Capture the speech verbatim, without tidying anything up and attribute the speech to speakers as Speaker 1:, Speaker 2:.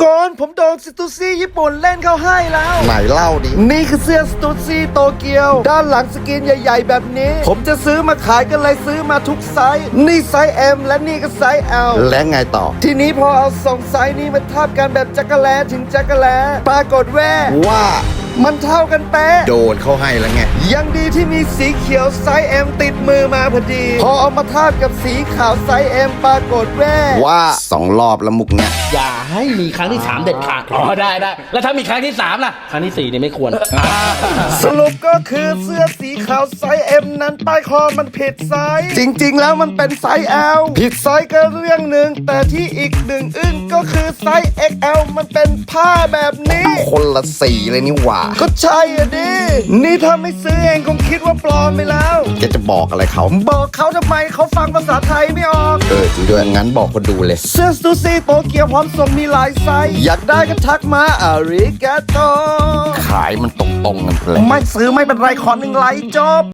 Speaker 1: ก่อนผมโดนสตูซี่ญี่ปุ่นเล่นเข้าให้แล้วไหนเล่าดินี่คือเสื้อสตูซี่โตเกียวด้านหลังสกรีนใหญ่ๆแบบนี้ผมจะซื้อมาขายกันเลยซื้อมาทุกไซส์นี่ไซส์ M และนี่ก็ไซส์ L และไงต่อทีนี้พอเอาสองไซส์นี้มาทาบกันแบบจักรแลถึงจักรแลปรากฏแว่ว่ามันเท่ากันเป๊ะโดนเข้าให้แล้วไงยังดีที่มีสีเขียวไซส์ M ติดมือมาพอดีพอเอามาทาบกับสีขาวไซส์ M ปรากฏแว่ว่าสองรอบแล้วมุกเนี้ย
Speaker 2: อย่าให้มีครั้งที่สามเด็ดขาดอ๋อได้ได้แล้วถ้ามีครั้งที่สามล่ะครั้งที่สี่นี่ไม่ควร
Speaker 1: สรุปก็คือเสื้อสีขาวไซส์ M นั้นใต้คอมันผิดไซส์จริงๆแล้วมันเป็นไซส์ L ผิดไซส์ก็เรื่องหนึ่งแต่ที่อีกหนึ่งอึ้งก็คือไซส์ เอ็กซ์ แอล มันเป็นผ้าแบบนี้คนละสีเลยนี่หว่าก็ใช่อ่ะดินี่ถ้าไม่ซื้อเองคงคิดว่าปลอมไปแล้วแกจะบอกอะไรเขาบอกเขาทำไมเขาฟังภาษาไทยไม่ออกเออจริงด้วยงั้นบอกคนดูเลยเสื้อสตูซี่โตเกียวพร้อมส่งมีหลายไซส์อยากได้ก็ทักมาอาริกาโตขายมันตรงๆกันเลยไม่ซื้อไม่เป็นไรขอหนึ่งไลค์จบ